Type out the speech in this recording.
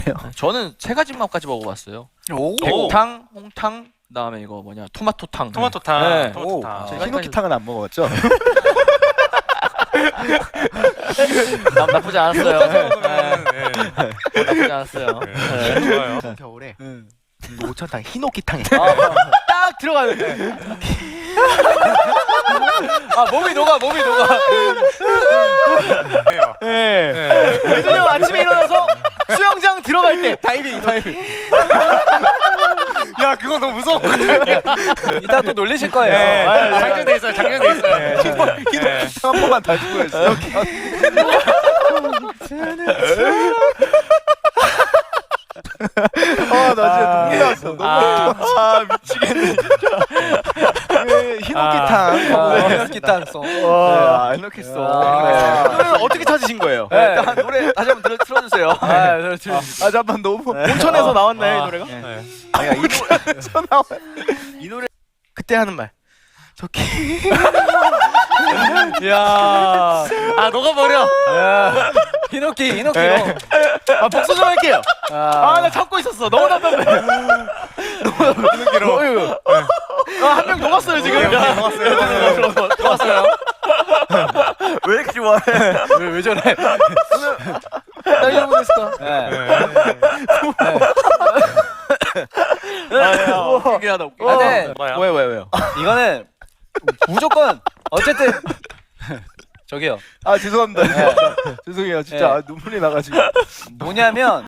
저는 세 가지 맛까지 먹어봤어요. 오. 백탕, 홍탕, 그다음에 이거 뭐냐 토마토탕. 토마토탕. 네. 토마토탕. 히노키탕은 안 먹어봤죠? 나쁘지 않았어요. 네. 나쁘지 않았어요. 네. 좋아요. 겨울에 응. 노천탕, 히노키탕. 딱 들어가요. 아 몸이 녹아. 네. 민준이 형 아침에 일어나서 수영장 들어갈 때 다이빙. 야, 그거 너무 무서워. 이따 또 놀리실 거예요. 장전돼 있어요. 장전돼 있어요. 히노키탕 한 번만 다시 보여주세요. 나 진짜 눈물 났어. 너무 미치겠네. 히노키탕. 히노키탕 송. 와, 히노키송. 노래는 어떻게 찾으신 거예요? 네. 일단 노래 다시 한번 틀어주세요. 잠깐 너무 온천에서 나왔나요 이 노래가? 네. 아니야 이 노래에서 나와. 이 노래 그때 하는 말. 저기. 야. 아, 녹아버려. 히노키. 아 복수 좀 할게요. 나 참고 있었어. 너무 답답해. 히노키로. 한 명 녹았어요 지금. 녹았어요. 왜 이렇게 좋아해? 왜 저래? 다이아몬드 스타. 신기하다. 근데 뭐야? 왜요? 이거는 무조건 어쨌든 저기요. 죄송합니다. 죄송해요. 진짜 눈물이 나가지고. 뭐냐면